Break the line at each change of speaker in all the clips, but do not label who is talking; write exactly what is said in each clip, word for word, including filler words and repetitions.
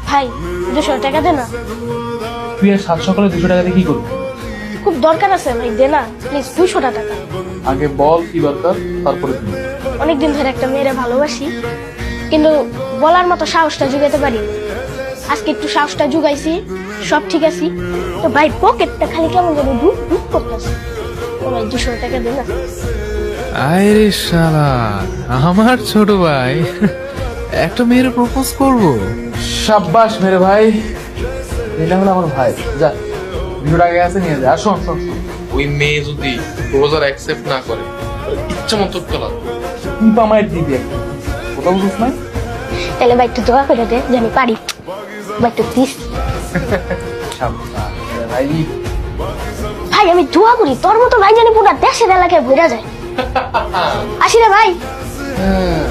ভাই দুশো টাকা দে না।
তুই আর সাত সকালে দুশো টাকা দিয়ে কি করবি?
খুব দরকার আছে ভাই, দে না প্লিজ দুশো টাকা।
আগে বল কি দরকার, তারপরে দিবি।
অনেকদিন ধরে একটা মেয়েরে ভালোবাসি, কিন্তু বলার মতো সাহসটা জুগাতে পারি। আজকে একটু সাহসটা জুগাইছি, সব ঠিক আছে। তো ভাই পকেটটা খালি কেমন যেন ধুপ ধুপ করতেছে। তো ভাই দুশো টাকা দে না।
আরে শালা, আমার ছোট ভাই একটা মেয়ের প্রপোজ করব।
সাব্বাস মেরে ভাই, এটা হলো আমার ভাই। যা দুশো টাকা আছে নিয়ে যা। আর শোন শোন শোন,
ওই মেয়ে যদি প্রপোজাল অ্যাকসেপ্ট না করে ইচ্ছা মতো তোলা
তুই তো আমার দিবি একটা, কোথাও বুঝিস না?
তাহলে ভাই একটু দোয়া করে দে যে আমি পারি। ভাই একটু প্লিজ।
সাব্বাস মেরে ভাই।
ভাই আমি দোয়া করি তোর মতো ভাই জানি পুরো দেশের এলাকায় ঘুরে যায়। আসি রে ভাই।
হ্যাঁ।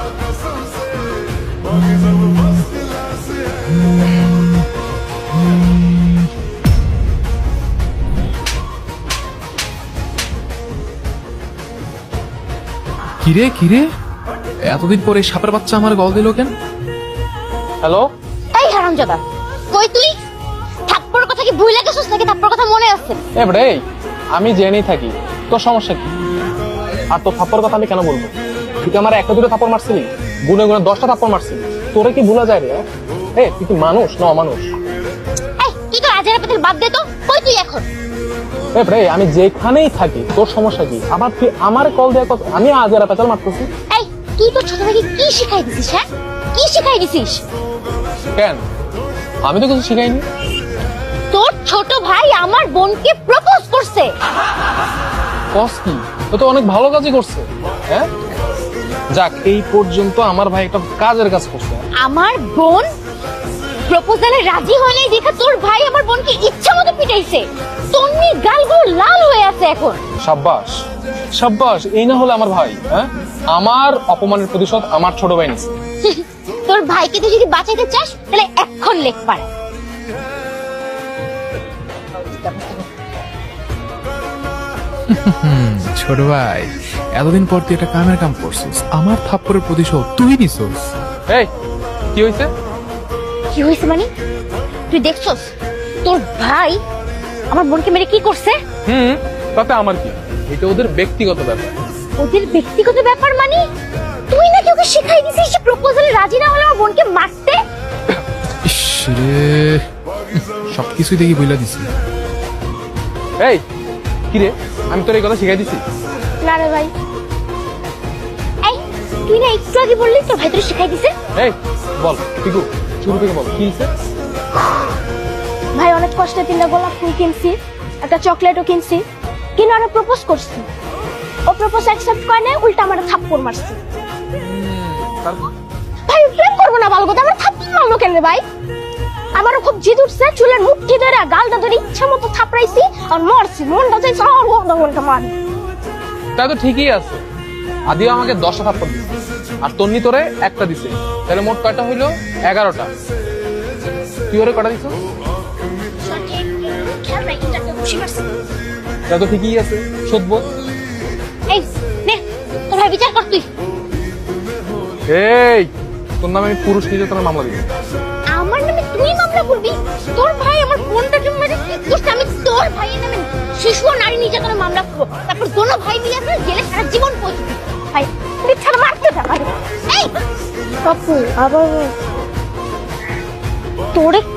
কিরে কিরে, এতদিন পরে সাপের বাচ্চা আমার গল দিল কেন?
হ্যালো,
এই হারামজাদা, কই তুই? থাপ্পড়ের কথা কি ভুলে গেছিস নাকি থাপ্পড়ের কথা মনে আছে?
এ বেটা, এই আমি জেনেই থাকি, তোর সমস্যা কি? আর তোর থাপ্পড় কথা আমি কেন বলবো? তুই কি আমার একটা দুটো থাপ্পড় মারছিলি? গুনে গুনে দশটা থাপ্পড় মারছিলি। তোরে কি ভুলা যায় রে? এ তুই কি মানুষ না অমানুষ?
এই তুই তো আজের পেতেল বাদ দে তো, কই তুই এখন?
এ বেটা, এই আমি যেখানেই থাকি, তোর সমস্যা কি? আবার তুই আমার কল দেয়া কথা, আমি আজ এরা পেতাল মারতেছি
এই তুই তো ছোট ভাইকে কি শিখাই দিছিস? হ্যাঁ, কি শিখাই দিছিস?
কেন? আমি তো কিছু শিখাইনি।
তোর ছোট ভাই আমার বোনকে প্রপোজ করছে।
কস কি? ও তো অনেক ভালো কাজই করছে। হ্যাঁ, যাক এই পর্যন্ত আমার ভাই একটা কাজের কাজ করছে।
আমার বোন প্রপোজালে রাজি হয় নাই দেখে তোর ভাই আমার বোনকে ইচ্ছা মতো পিটাইছে। তন্নি গালগুলো লাল হয়ে আছে এখন।
সাব্বাস সাব্বাস, এই না হলে আমার ভাই। হ্যাঁ, আমার অপমানের প্রতিশোধ আমার ছোট ভাই নিছে।
তোর ভাইকে তুই যদি বাঁচাইতে চাস তাহলে এখন লেখ পারে।
ছোট ভাই, এতদিন পর তুই একটা কামের কাম করছিস, আমার থাপ্পড়ের প্রতিশোধ তুই নিছিস।
এই কি হয়েছে?
কি হয়েছে মানে? তুই দেখছস তোর ভাই আমার বোনকে মেরে কি করছে?
হুম, তাতে আমার কি? এটা ওদের ব্যক্তিগত ব্যাপার।
ওদের ব্যক্তিগত ব্যাপার মানে? তুই নাকি ওকে শিখাই দিছিস যে প্রপোজালে রাজি না হলে আমার বোনকে মারতে?
ইস রে, সবকিছুই দেখি বইলা দিছি।
এই কি রে, আমি তোর এই কথা শিখাই দিছি?
না রে ভাই।
এই তুই না একটু আগে বললি তোর ভাই তোর শিখাই দিছে?
এই বল পিকু, শুরু থেকে বল কি হয়েছে?
ভাই অনেক কষ্টে তিনটা গোলাপ ফুল কিনছি, একটা চকলেটও কিনছি, কিন্তু আমি প্রপোজ করছি। ও প্রপোজ অ্যাকসেপ্ট করে না, উল্টা আমার থাপ্পড় মারছে।
তারপর
ভাই প্রেম করবো না ভালো কথা, আমার থাপ্পড় মারলো কেন রে ভাই? আমারও খুব জিদ উঠছে, চুলের মুঠি ধরে গালটা ধরে ইচ্ছা মতো থাপড়াইছি আর মরছি। মনটা চাইছে আর মনটা মার।
তা তো ঠিকই আছে। আদিও আমাকে দশটা থাপ্পড় দিছে আর তন্নি তোরে একটা দিছে, তাহলে মোট কয়টা হইলো? এগারোটা। তুই ওরে কটা দিছ? তা তো ঠিকই আছে, শোধবো।
এই নে তোর ভাই বিচার কর তুই।
এই তোর নামে আমি পুরুষ নির্যাতনের মামলা দিব।
আমার নামে তুই মামলা করবি? তোর ভাই আমার বোনটাকে মেরে কি করছে? আমি তোর ভাইয়ের নামে শিশু ও নারী নির্যাতনের মামলা করবো, তারপর দোনো ভাই মিলে আমরা জেলে সারা জীবন পৌঁছবি।
ভাই তুই ছাড়া মারতে যা ভাই।
এই
পাপ্পু আবার তোরে